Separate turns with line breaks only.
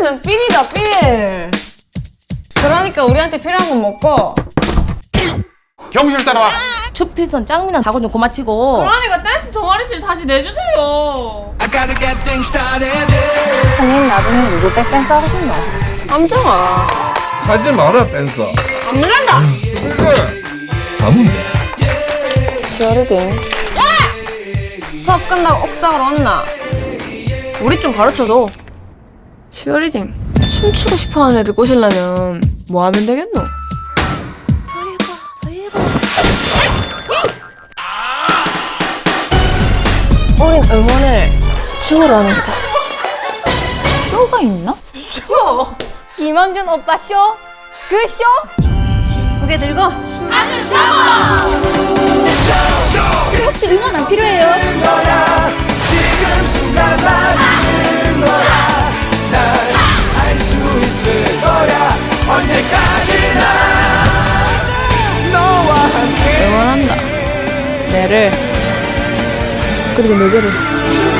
우리는 삘이다 삘. 그러니까 우리한테 필요한 건 먹고.
경실 따라와.
추필선 짱미나 다고 좀 고마치고.
그러니까 댄스 동아리실 다시 내주세요.
형님 나중에 누구 백댄스 하고 싶나?
함정아.
하지 마라 댄서.
안 된다.
그래. 가면 돼.
치어리딩.
수업 끝나고 옥상으로 온나.
우리 좀 가르쳐도.
치어리딩. 춤추고 싶어하는 애들 꼬시려면 뭐 하면 되겠노? 우린 응원을 춤으로 하는 거다. 쇼가 있나?
쇼.
김원준 오빠 쇼? 그 쇼? 고개 들고 혹시 응원 안 필요해요?
지금 순간만 있는 거야. 난 할 수 있을 거야. 언제까지나 너와 함께
응원한다. 내를 그리고 너희를